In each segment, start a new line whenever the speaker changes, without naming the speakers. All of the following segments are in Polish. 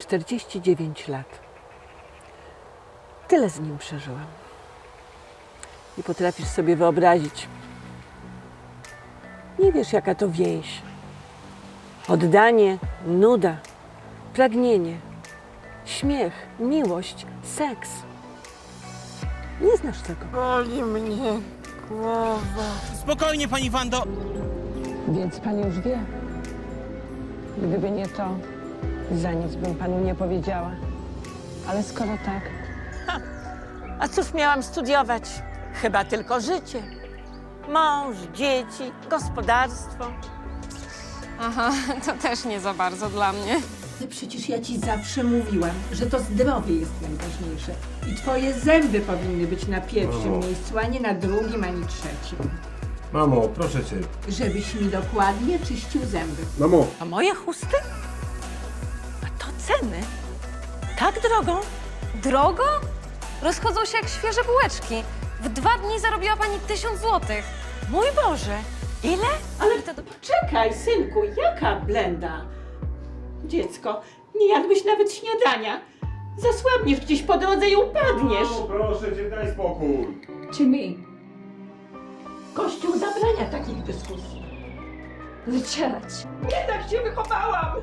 49 lat. Tyle z nim przeżyłam. Nie potrafisz sobie wyobrazić. Nie wiesz, jaka to więź. Oddanie, nuda, pragnienie, śmiech, miłość, seks. Nie znasz tego.
Boli mnie głowa.
Spokojnie, pani Wando.
Więc pan już wie. Gdyby nie to, za nic bym panu nie powiedziała. Ale skoro tak...
A cóż miałam studiować? Chyba tylko życie. Mąż, dzieci, gospodarstwo.
Aha, to też nie za bardzo dla mnie.
Ale przecież ja ci zawsze mówiłam, że to zdrowie jest najważniejsze. I twoje zęby powinny być na pierwszym miejscu, a nie na drugim, ani trzecim.
Mamo, proszę cię.
Żebyś mi dokładnie czyścił zęby.
Mamo.
A moje chusty? A to ceny? Tak drogo?
Drogo? Rozchodzą się jak świeże bułeczki. W 2 dni zarobiła pani 1000 złotych.
Mój Boże, ile?
Ale czekaj, synku, jaka blenda? Dziecko, nie jadłeś nawet śniadania. Zasłabniesz gdzieś po drodze i upadniesz.
Mamo, proszę cię, daj spokój.
Jimmy, Kościół zabrania takich dyskusji.
Wycierać.
Nie tak się wychowałam!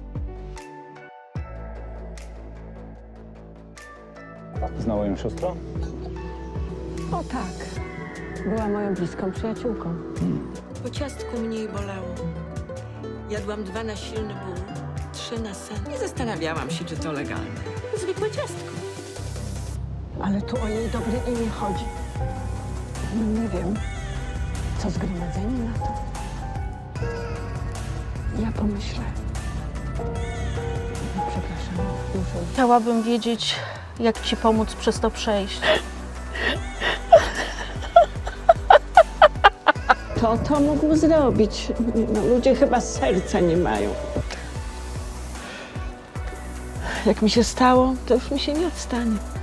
Znała ją siostra?
O tak. Była moją bliską przyjaciółką.
Po ciastku mniej bolało. Jadłam 2 na silny ból, 3 na sen. Nie zastanawiałam się, czy to legalne. Zwykłe ciastko.
Ale tu o jej dobre imię chodzi. No nie wiem, co zgromadzenie na to. Ja pomyślę. No, przepraszam, muszę iść.
Chciałabym wiedzieć, jak ci pomóc przez to przejść.
Kto to mógł zrobić? No, ludzie chyba serca nie mają. Jak mi się stało, to już mi się nie odstanie.